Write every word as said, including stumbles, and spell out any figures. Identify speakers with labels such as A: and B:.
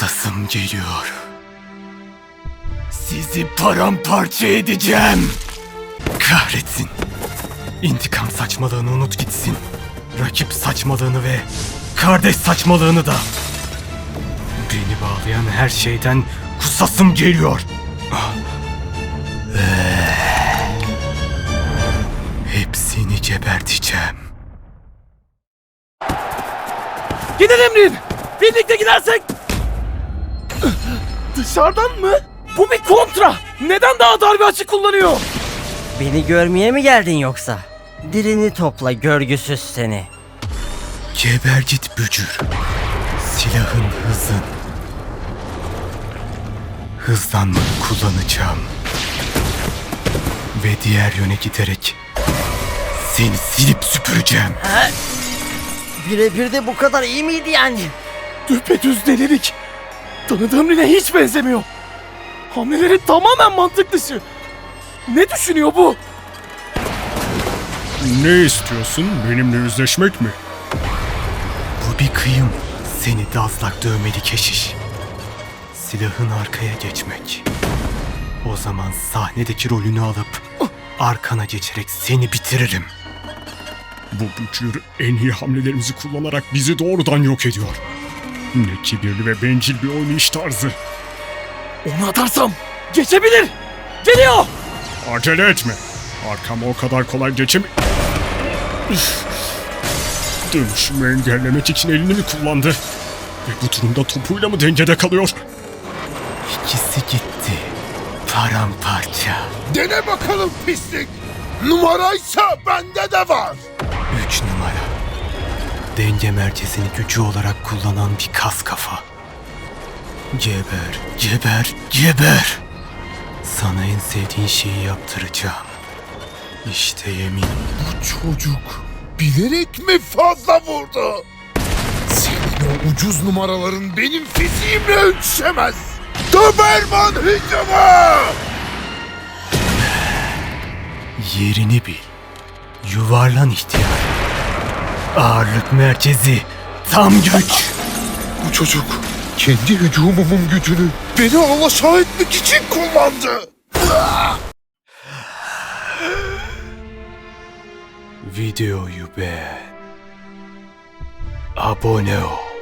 A: Kısasım geliyor. Sizi paramparça edeceğim. Kahretsin. İntikam saçmalığını unut gitsin. Rakip saçmalığını ve kardeş saçmalığını da. Beni bağlayan her şeyden kusasım geliyor. Hepsini geberteceğim.
B: Gidin Emrin! Birlikte gidersek! Dışarıdan mı? Bu bir kontra! Neden daha dar bir açı kullanıyor?
C: Beni görmeye mi geldin yoksa? Dilini topla görgüsüz seni.
A: Geber git bücür. Silahın hızın. Hızlanmanı kullanacağım. Ve diğer yöne giderek seni silip süpüreceğim.
C: Ha? Birebir de bu kadar iyi miydi yani?
B: Düpedüz delilik. Tanıdığım Rine hiç benzemiyor. Hamleleri tamamen mantık dışı. Ne düşünüyor bu?
D: Ne istiyorsun? Benimle yüzleşmek mi?
A: Bu bir kıyım. Seni dazlak dövmeli keşiş. Silahın arkaya geçmek. O zaman sahnedeki rolünü alıp arkana geçerek seni bitiririm.
D: Bu bücür en iyi hamlelerimizi kullanarak bizi doğrudan yok ediyor. Ne kibirli ve bencil bir oynayış tarzı.
B: Onu atarsam geçebilir. Geliyor.
D: Acele etme. Arkama o kadar kolay geçem... Dönüşümü engellemek için elini mi kullandı? Ve bu durumda topuyla mı dengede kalıyor?
A: İkisi gitti. Paramparça.
E: Dene bakalım pislik. Numaraysa bende de var.
A: Üç numara. Denge merkezini gücü olarak kullanan bir kas kafa. Geber, geber, geber. Sana en sevdiğin şeyi yaptıracağım. İşte yemin.
E: Bu çocuk bilerek mi fazla vurdu? Senin o ucuz numaraların benim fiziğimle ölçüşemez. Doberman hücumu!
A: Yerini bil. Yuvarlan ihtiyar. Ağırlık merkezi. Tam güç.
E: Bu çocuk kendi hücumumun gücünü beni alaşağı etmek için kullandı.
A: Videoyu beğen. Abone ol.